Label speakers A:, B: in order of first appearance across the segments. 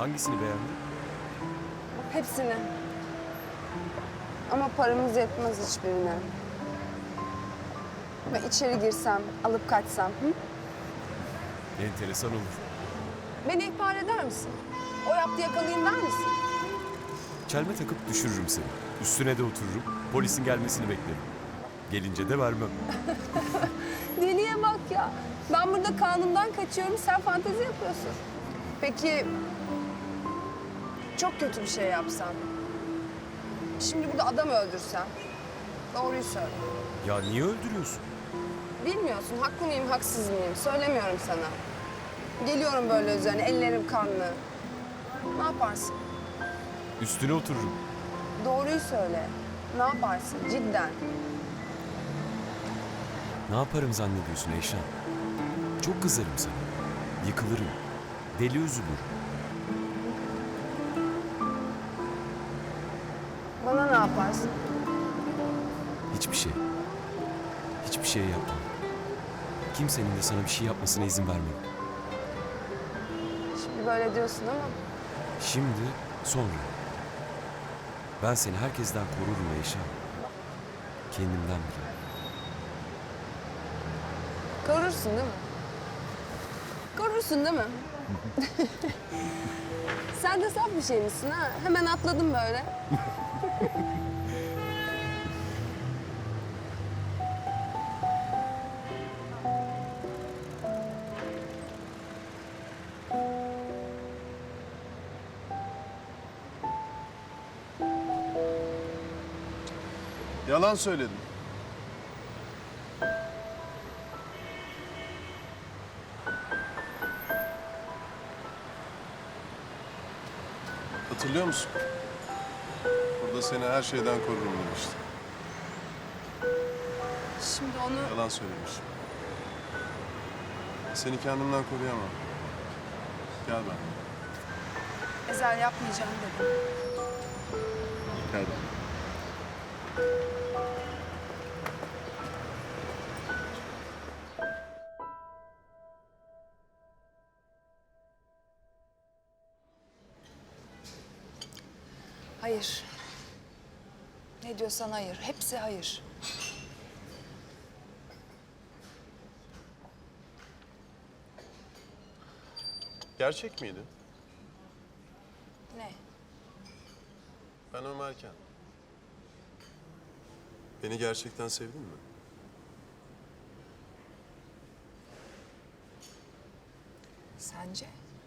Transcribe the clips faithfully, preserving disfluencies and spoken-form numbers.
A: Hangisini beğendin?
B: Hepsini. Ama paramız yetmez hiçbirine. Ve içeri girsem, alıp kaçsam. Hı?
A: Enteresan olur.
B: Beni ihbar eder misin? O yaptı yakalayayım der misin?
A: Çelme takıp düşürürüm seni. Üstüne de otururum. Polisin gelmesini beklerim. Gelince de vermem.
B: Deliye bak ya. Ben burada kanundan kaçıyorum, sen fantezi yapıyorsun. Peki çok kötü bir şey yapsam? Şimdi burada adam öldürsem? Doğruyu söyle.
A: Ya niye öldürüyorsun?
B: Bilmiyorsun, haklı mıyım, haksız mıyım? Söylemiyorum sana. Geliyorum böyle üzerine, ellerim kanlı. Ne yaparsın?
A: Üstüne otururum.
B: Doğruyu söyle. Ne yaparsın cidden?
A: Ne yaparım zannediyorsun Eyşan? Çok kızarım sana. Yıkılırım. Deli üzülür.
B: Bana ne yaparsın?
A: Hiçbir şey. Hiçbir şey yapmam. Kimsenin de sana bir şey yapmasına izin vermem.
B: Şimdi böyle diyorsun ama
A: Şimdi, sonra. Ben seni herkesten korurum Eyşan. Kendimden bile.
B: korursun değil mi? Korursun değil mi? Sen de saf bir şey misin ha? Hemen atladım böyle.
C: Yalan söyledim. Hatırlıyor musun? Burada seni her şeyden korurum demiştim.
B: Şimdi onu
C: Yalan söylemişim. Seni kendimden koruyamam. Gel ben.
B: ezel yapmayacağım dedim.
C: Gel ben.
D: Hayır. Ne diyorsan hayır. Hepsi hayır.
C: Gerçek miydi?
D: Ne?
C: Ben Ömerken. Beni gerçekten sevdin mi?
D: Sence?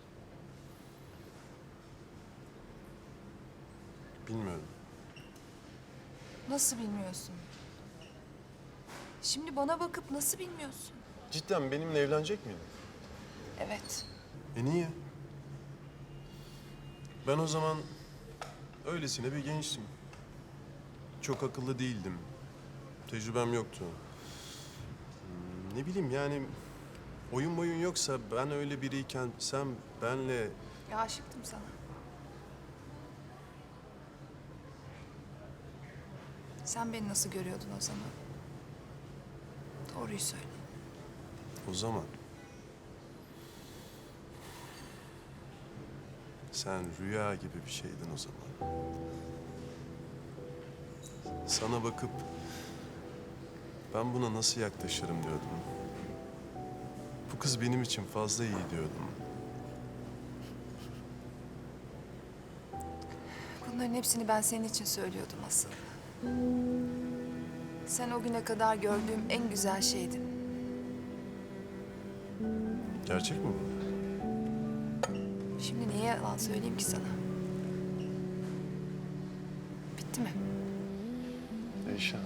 C: Bilmiyorum.
D: Nasıl bilmiyorsun? Şimdi bana bakıp nasıl bilmiyorsun?
C: Cidden benimle evlenecek miydin?
D: Evet.
C: E niye? Ben o zaman öylesine bir gençtim. Çok akıllı değildim. Tecrübem yoktu. Hmm, Ne bileyim yani oyun boyun yoksa ben öyle biriyken sen benle
D: Ya aşıktım sana. Sen beni nasıl görüyordun o zaman? Doğruyu söyle.
C: o zaman sen rüya gibi bir şeydin o zaman. Sana bakıp ben buna nasıl yaklaşırım diyordum. Bu kız benim için fazla iyi diyordum.
D: Bunların hepsini ben senin için söylüyordum asıl. Sen o güne kadar gördüğüm en güzel şeydin.
C: Gerçek mi bu?
D: Şimdi niye yalan söyleyeyim ki sana? Bitti mi?
C: Eyşan.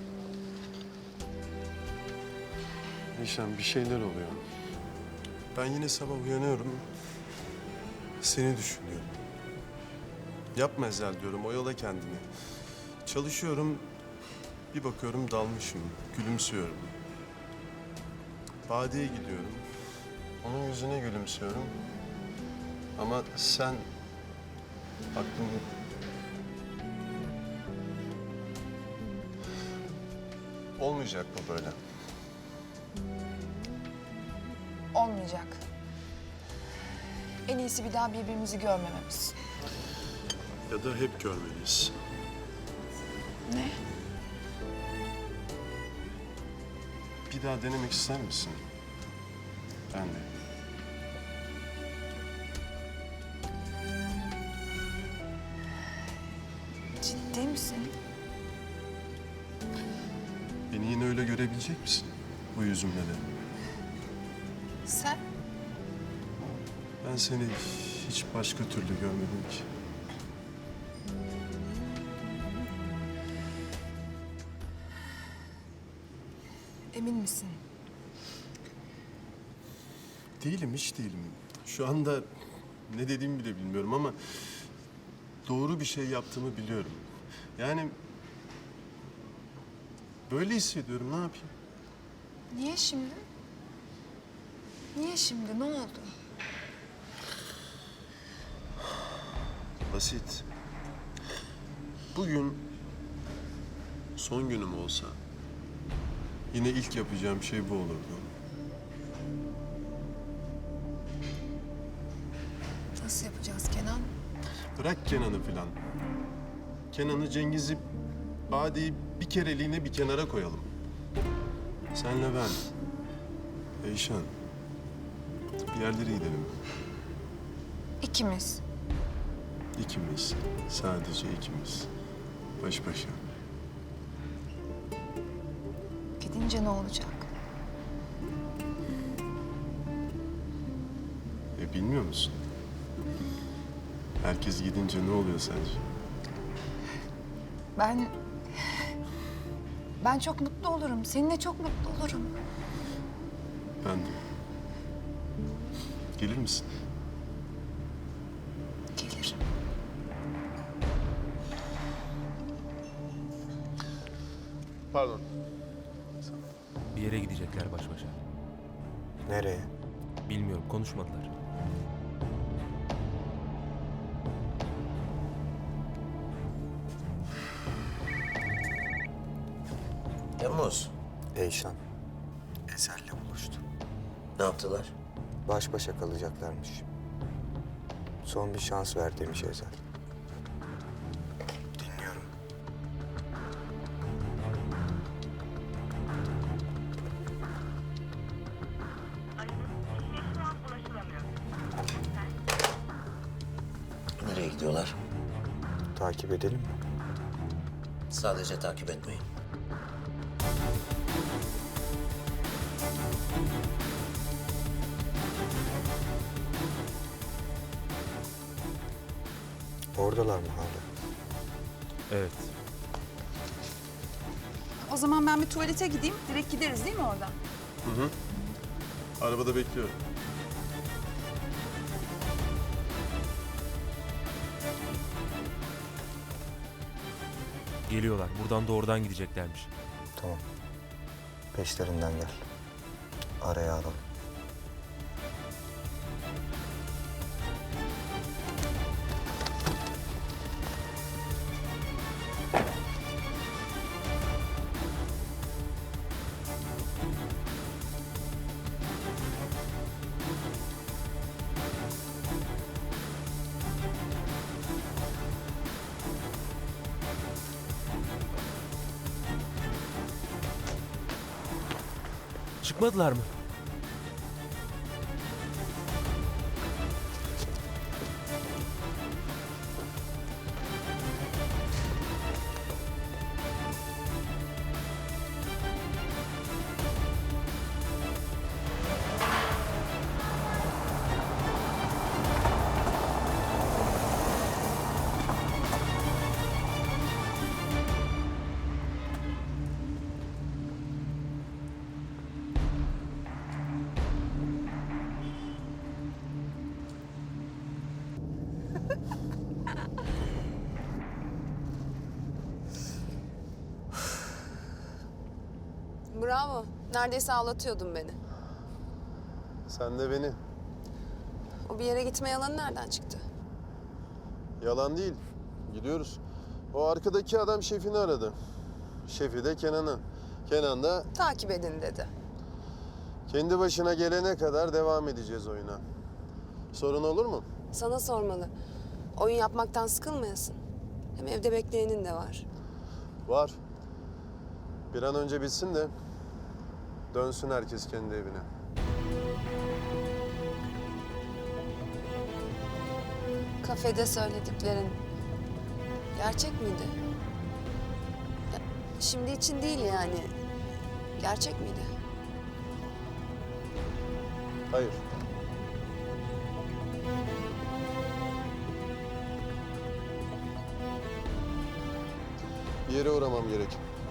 C: Eyşan bir şeyler oluyor. Ben yine sabah uyanıyorum. Seni düşünüyorum. Yapma Ezel diyorum, oyala kendini. Çalışıyorum, bir bakıyorum dalmışım, gülümsüyorum. Vadiye gidiyorum, onun yüzüne gülümsüyorum. Ama sen aklım... Olmayacak bu böyle.
D: Olmayacak. En iyisi bir daha birbirimizi görmememiz.
C: Ya da hep görmeliyiz.
D: Ne?
C: Bir daha denemek ister misin? Ben de.
D: Ciddi misin?
C: Beni yine öyle görebilecek misin? Bu yüzümle de.
D: Sen?
C: Ben seni hiç başka türlü görmedim ki.
D: Emin misin?
C: Değilim, hiç değilim. Şu anda ne dediğimi bile bilmiyorum ama doğru bir şey yaptığımı biliyorum. Yani böyle hissediyorum, ne yapayım?
D: Niye şimdi? Niye şimdi? Ne oldu?
C: Basit. Bugün son günüm olsa yine ilk yapacağım şey bu olurdu.
D: Nasıl yapacağız Kenan?
C: Bırak Kenan'ı filan. Kenan'ı, Cengiz'i, Bade'yi bir kereliğine bir kenara koyalım. Senle ben, Eyşan, bir yerlere gidelim.
D: İkimiz.
C: İkimiz, sadece ikimiz. Baş başa.
D: Gidince ne olacak?
C: E bilmiyor musun? Herkes gidince ne oluyor sence?
D: Ben... Ben çok mutlu olurum. Seninle çok mutlu olurum.
C: Ben de. Gelir misin?
D: Gelirim.
C: Pardon.
E: Bir yere gidecekler baş başa.
F: Nereye?
E: Bilmiyorum, konuşmadılar.
F: Temmuz. Eyşan. Ezel'le buluştu.
G: Ne yaptılar?
F: Baş başa kalacaklarmış. Son bir şans ver demiş Ezel. Dinliyorum.
G: Nereye gidiyorlar?
F: Takip edelim mi?
G: Sadece takip etmeyin.
F: Oradalar mı hala?
E: Evet.
B: O zaman ben bir tuvalete gideyim. Direkt gideriz değil mi oradan?
C: Hı hı. Arabada bekliyorum.
E: Geliyorlar. Buradan doğrudan gideceklermiş.
F: Tamam. Peşlerinden gel. Araya alalım.
E: Çıkmadılar mı?
B: Bravo. Neredeyse ağlatıyordun beni.
C: Sen de beni.
B: O bir yere gitme yalanı nereden çıktı?
C: Yalan değil. Gidiyoruz. O arkadaki adam şefini aradı. Şefi de Kenan'ı. Kenan da
B: Takip edin dedi.
C: kendi başına gelene kadar devam edeceğiz oyuna. Sorun olur mu?
B: Sana sormalı. Oyun yapmaktan sıkılmayasın. Hem evde bekleyenin de var.
C: Var. Bir an önce bitsin de dönsün herkes kendi evine.
B: Kafede söylediklerin gerçek miydi? Ya, şimdi için değil yani. Gerçek miydi?
C: Hayır. Bir yere uğramam gerek.